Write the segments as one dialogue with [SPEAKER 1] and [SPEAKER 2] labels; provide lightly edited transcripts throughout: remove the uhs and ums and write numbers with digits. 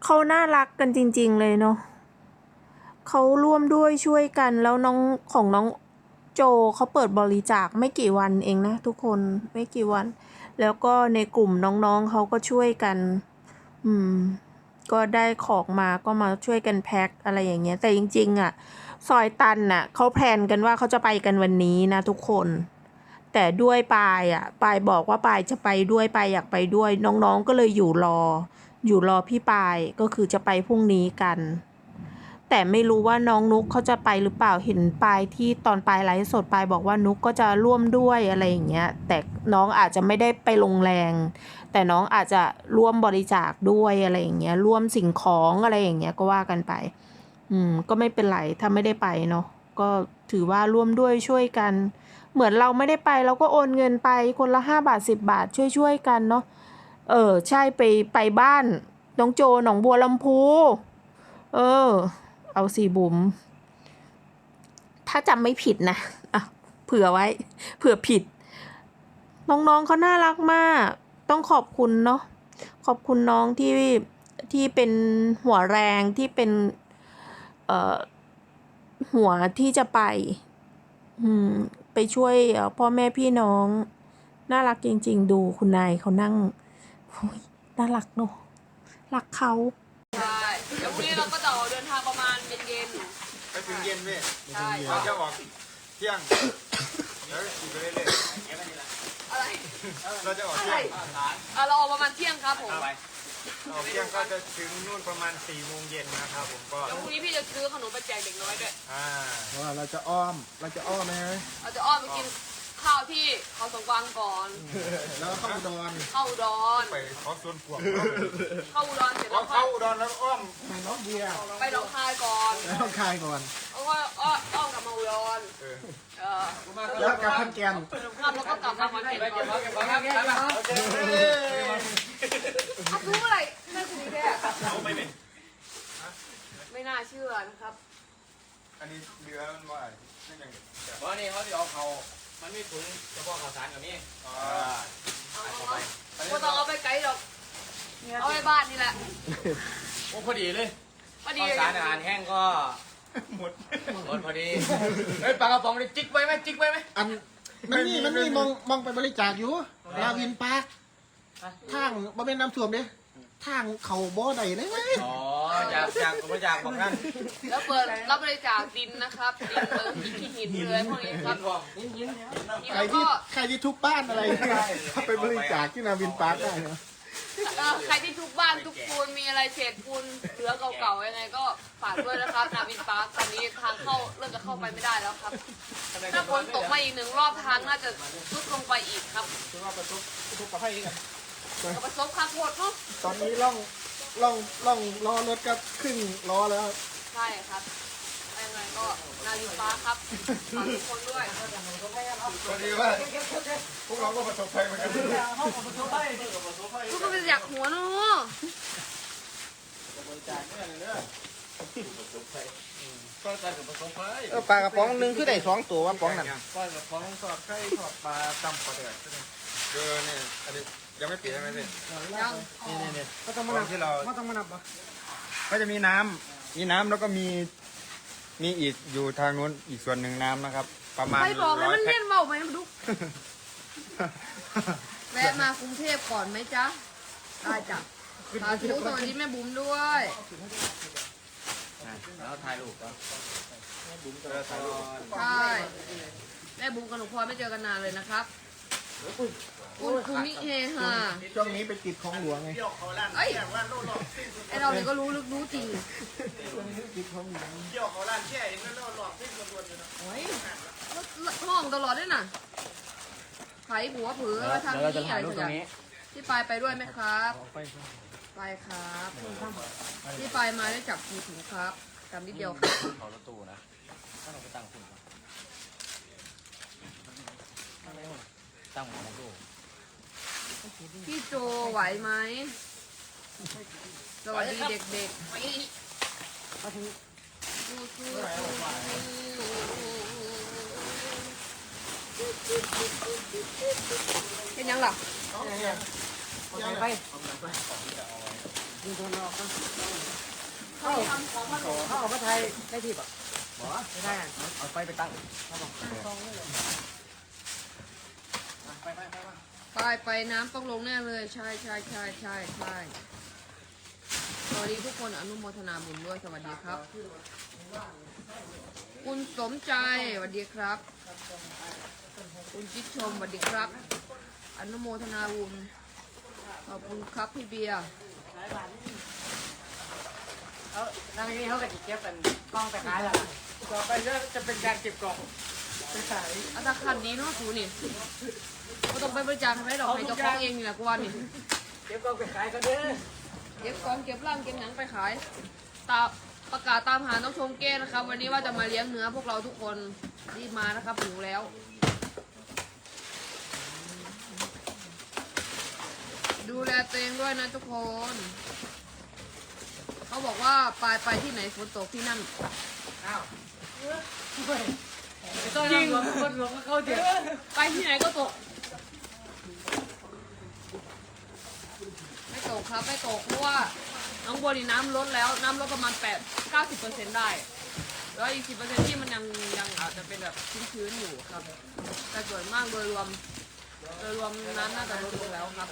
[SPEAKER 1] เขาน่ารักกันจริงๆเลยเนาะเขาร่วมด้วยช่วยกันแล้วน้องของน้องโจเขาเปิดบริจาคไม่กี่วันเองนะทุกคนไม่กี่วัน แล้วก็ในกลุ่มน้องๆเขาก็ช่วยกัน ก็ได้ของมาก็มาช่วยกันแพ็คอะไรอย่างเงี้ยแต่จริงๆอ่ะซอยตันน่ะเขาแพลนกันว่าเขาจะไปกันวันนี้นะทุกคนแต่ด้วยปายบอกว่าปายจะไปด้วยปายอยากไปด้วยน้องๆก็เลยอยู่รอพี่ปายก็คือจะไปพรุ่งนี้กันแต่ไม่รู้ว่าน้องนุกเขาจะไปหรือเปล่าเห็นปายที่ตอนปายไลฟ์สดปายบอกว่านุกก็จะร่วมด้วยอะไรอย่างเงี้ยแต่น้องอาจจะไม่ได้ไปลงแรงแต่น้องอาจจะร่วมบริจาคด้วยอะไรอย่างเงี้ยร่วมสิ่งของอะไรอย่างเงี้ยก็ว่ากันไปก็ไม่เป็นไรถ้าไม่ได้ไปเนาะก็ถือว่าร่วมด้วยช่วยกันเหมือนเราไม่ได้ไปเราก็โอนเงินไปคนละ5 บาท10 บาทช่วยกันเนาะใช่ไปบ้านน้องโจหนองบัวลำพูเอาสิบุ๋มถ้าจำไม่ผิดนะเผื่อไว้เผื่อผิดน้องๆเขาน่ารักมากต้องขอบคุณเนาะขอบคุณน้องที่เป็นหัวแรงที่เป็นหัวที่จะไปช่วยพ่อแม่พี่น้องน่ารักจริงๆดูคุณนายเขานั่งน่ารักเนาะรักเขา
[SPEAKER 2] ใช่เดี๋ยวพรุ่งนี้เราก็จะเดินทางประมาณเย็น
[SPEAKER 3] ไปถึงเย็นเว้ย
[SPEAKER 2] ใช่
[SPEAKER 3] เราจะออกเที่ยงแล้วขี่ไปเรื่อย
[SPEAKER 2] อะไร
[SPEAKER 3] ๆเราจะออก
[SPEAKER 2] อะ
[SPEAKER 3] เที่
[SPEAKER 2] ไร
[SPEAKER 3] ยง
[SPEAKER 2] เราออกประมาณเที่ยงครับผม
[SPEAKER 3] ออกเที่ยงก็จะถึงนู่นประมาณ4 โมงเย็นนะครับผมก็
[SPEAKER 2] เดี๋ยวพรุ่งนี้พี่จะซื้อขนมไปแจกเด็กน้อยด้วย
[SPEAKER 4] ว่าเราจะอ้อมไหม
[SPEAKER 2] เราจะอ้อมไปกินข้าวที่เขาสงกวางก่อน
[SPEAKER 4] แล้วเข้าอุดร
[SPEAKER 2] เข้าอุดร
[SPEAKER 3] ไปขอส่วนกวาง
[SPEAKER 2] เข้าอุดรเสร็จ
[SPEAKER 3] เรา
[SPEAKER 2] แล้ว
[SPEAKER 3] เข้าอุดรแล้วอ้อม
[SPEAKER 4] ไปน้องเบียร์
[SPEAKER 2] ไปหนองคายก่อน
[SPEAKER 4] แล้วคายก่อน
[SPEAKER 2] แล้วก็อ้อมกลับมาอุดร
[SPEAKER 4] แล้วกลับพันแกน
[SPEAKER 2] ครับแล้วก็กลับมาเก็บก่อนรู้อะไรแม่คุณนี่แค่ไม่น่าเชื่อนะครับ
[SPEAKER 3] อันนี้เรือมันว่าไม่ยัง
[SPEAKER 5] เพราะนี่เขาจะเอาเขามันมีถุงเฉพาะข่าวสารกับนี่
[SPEAKER 2] ก็ต้องเอาไปไกลหรอกเอาไปบ้านนี่แหละ
[SPEAKER 5] โอ้พอดีเลย
[SPEAKER 2] พอดี
[SPEAKER 5] ข่าวสารอาหารแห้งก็หมดพอดีเฮ้ยปลากระป๋องนี่จิกไว้ไหมจิกไว้ไหม
[SPEAKER 4] อันมันมีมองไปบริจาคอยู่ลาวินปาร์คทางบ่เป็นน้ำท่วมเด้ทางเขาบ่ได้เลย
[SPEAKER 5] อ๋อจากบริจาคบอกนั่น
[SPEAKER 2] แล้วเปิดรับบริจาคดินนะครับดินเลยขี้หินเลยพวกนี้ครับ
[SPEAKER 4] ใครที่ทุกบ้านอะไรไปบริจาคที่นาวินปาร์คได้เนาะ
[SPEAKER 2] ใครที่ทุกบ้านทุกปูนมีอะไรเศษปูนเหลือเก่าๆยังไงก็ฝากด้วยนะครับนาวินปาร์คตอนนี้ทางเข้าเริ่มจะเข้าไปไม่ได้แล้วครับถ้าฝนตกมาอีก1 รอบทางน่าจะทรุดลงไปอีกครับ
[SPEAKER 4] คือว่าประสบกับให้กัน
[SPEAKER 2] ประสบข้าวโพดเนาะ
[SPEAKER 4] ตอนนี้ล่องล้อรถก็ครึ่งล้อแล้ว
[SPEAKER 2] ใช่ครับยังไงก็นาวินปาร์คครับฝากทุกคนด้วย
[SPEAKER 3] พอดีว่าพวกเราก็ประสบภัยเหมือนกัน
[SPEAKER 2] ทุกคนเป็นอยากหัวเนาะ
[SPEAKER 5] ก็จะกับผสมไป
[SPEAKER 4] ปลากระป๋องนึงคือได้2 ตัวว่าป๋องนั่น
[SPEAKER 3] ปลากระป๋องทอดไข่ทอดปลาตำปลาเดือดเนี่ยอันนี้ยังไม่ปิดใช่ไหมพี่
[SPEAKER 2] ยัง
[SPEAKER 3] นี่
[SPEAKER 4] เขาต้องมานับที่เราเขาต้องมานับปะ
[SPEAKER 3] ก็จะมีน้ำแล้วก็มีอีกอยู่ทางนู้นอีกส่วนหนึ่งน้ำนะครับ ประมาณ
[SPEAKER 2] ใครบอกเลยมัน
[SPEAKER 3] 100
[SPEAKER 2] เลี่ยนเบาไหมมาดูแวะมากรุงเทพก่อนไหมจ๊ะได้จ้ะสาธุสวัสดีแม่บุ๋มด้วย
[SPEAKER 5] แล้วถ่ายรูปก็
[SPEAKER 2] ใช่แม่บุ๋มกับหนูพลอยไม่เจอกันนานเลยนะครับคุณมิเฮฮา
[SPEAKER 4] ช่วงนี้ไปติดของหลวงไง
[SPEAKER 2] เอ้ยไอเราเนี่ยก็รู้ลึกรู้จริง
[SPEAKER 4] ติดของหลวง
[SPEAKER 2] โอ้ยห้องตลอดด้วยน่ะไผ่หัวเผือมาทำที่อะไรสักอย่างที่ปลายไปด้วยไหมครับไปครับที่ปลายมาได้จับมือถือครับจำนิดเดียวครับ
[SPEAKER 5] เขารถตู้นะถ้าเราไปตั้งคุณตั้งหัวของตู้
[SPEAKER 2] พี่โจไหวไหมสวัสดีเด็กๆเห็นยังหรอเขาทำของมาลง
[SPEAKER 5] เขาออกมาไทยได้ที่ปะไม่ได้เอาไฟไปตั้ง
[SPEAKER 2] ไปน้ำต้องลงแน่เลยใช่สวัสดีทุกคนอนุโมทนาบุญด้วยสวัสดีครับ คุณสมใจสวัสดีครับ คุณจิตชมสวัสดีครับ อนุโมทนาบุญขอบคุณครับพี่เบียร์
[SPEAKER 5] แล้วทางนี้เขาก็จะเก็บเป็นกล้องแต่ขายแล้วต่อไปจะเป็นการเก็บกล่องไปขาย
[SPEAKER 2] อัตราคันดีเนาะสูนี่ก็ต้องไปบริจาคให้ดอกให้เจ้าของเองนี่แหละกูว่านี่
[SPEAKER 5] เก็บกล่องไปขายกันเด้อ
[SPEAKER 2] เก็บกองเก็บร่างเก็บหนังไปขายประกาศตามหาน้องชมเก้นะครับ วันนี้ว่าจะมาเลี้ยงเนื้อพวกเราทุกคนรีบมานะครับหิวแล้ว ดูแลตัวเองด้วยนะทุกคน เขาบอกว่าไปที่ไหนฝนตกที่นั่น
[SPEAKER 5] อ้าวไม่ต้องยิงคนหลวงก็เข้าเดี๋ยว
[SPEAKER 2] ไปที่ไหนก็ตก ไม่ตกครับไม่ตกเพราะว่าน้องบัวนี่น้ำลดแล้วน้ำลดประมาณ90%ได้แล้วอีก10%ที่มันยังอาจจะเป็นแบบชื้นๆอยู่ครับ แต่ส่วนมากโดยรวมน้ำน่าจะลดลงแล้วครับ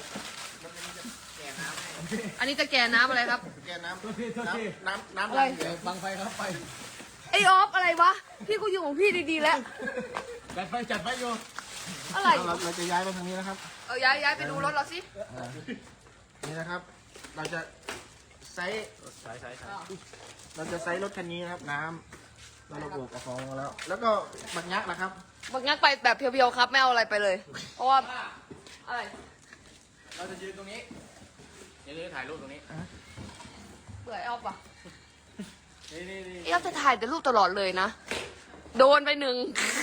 [SPEAKER 2] อันนี้จะแก่น้ำอะไรครับ
[SPEAKER 4] แกน้ำ
[SPEAKER 2] อะไร
[SPEAKER 5] บังไฟครับไฟ
[SPEAKER 2] ไอออฟอะไรวะพี่กูอยู่ของพี่ดีๆแล้ว
[SPEAKER 5] จัดไฟโย
[SPEAKER 2] อะไร
[SPEAKER 4] เราจะย้ายไปทางนี้นะครับ
[SPEAKER 2] ย้ายไปดูรถเราสิ
[SPEAKER 4] นี่นะครับ เราจะไซส์เราจะไซส์รถคันนี้นะครับ น้ำเราระบุกับฟองมาแล้ว แล้วก็บักยักษ์นะครับ
[SPEAKER 2] บักงักไปแบบเพียวๆครับไม่เอาอะไรไปเลย เพราะว่าอะไร
[SPEAKER 5] เราจะยืนตรงนี้อย่าลืมถ่ายรูปตรงนี้
[SPEAKER 2] เบื่อไอออฟอ่ะ
[SPEAKER 5] นี่
[SPEAKER 2] ไอออฟจะถ่ายแต่รูปตลอดเลยนะ โดนไปหนึ่ง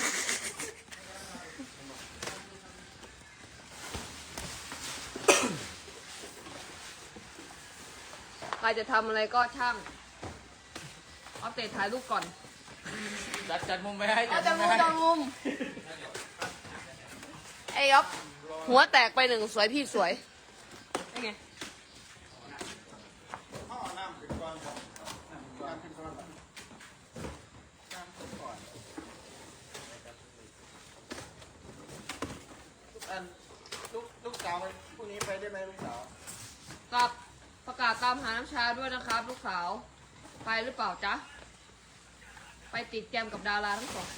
[SPEAKER 2] ใครจะทำอะไรก็ช่างเอาเตะถ่ายรูปก่อน
[SPEAKER 5] จัดมุมไปให้
[SPEAKER 2] เอาจังมุมจังมุมไอ้ยอบหัวแตกไปหนึ่งสวยพี่สวยเป็นไง
[SPEAKER 4] ลูกสาวพรุ่งนี้ไปได้ไหมลูกสาว
[SPEAKER 2] กับประกาศตามหาน้ำชาด้วยนะครับ ลูกสาวไปหรือเปล่าจ๊ะ ไปติดแกมกับดาราทั้งสองคน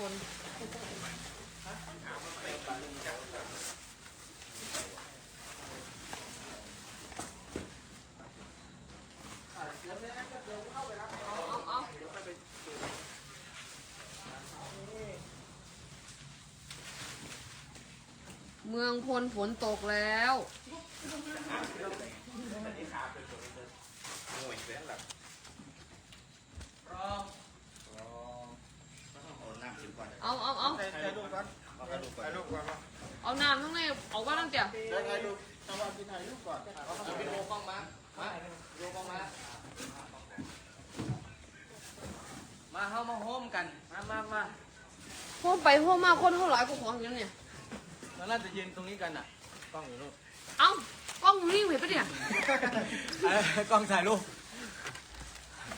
[SPEAKER 2] เมืองพลฝนตกแล้ว เอา
[SPEAKER 4] ถ่ายรูปก่อนถ่ายรูปก่อน
[SPEAKER 2] เอาน้ำทั้งในออกว่าตั้งแต่
[SPEAKER 4] ถ่ายรูปเอาว่ากินถ่ายรูปก่อน
[SPEAKER 5] วิดีโอกล้องมาวิดีโอกล้องมาเข้ามาโฮมกันมา
[SPEAKER 2] ห้องไปห้องมาคนเท่าไหร่ก็ของอย่างนี้เนี่ย
[SPEAKER 5] แล้วน่าจะยืนตรงนี้กันอ่ะกล้องอยู่นู่น
[SPEAKER 2] เอ้ากล้องมึงนี่เห็นปะเนี่ย
[SPEAKER 5] กล้องถ่ายรูป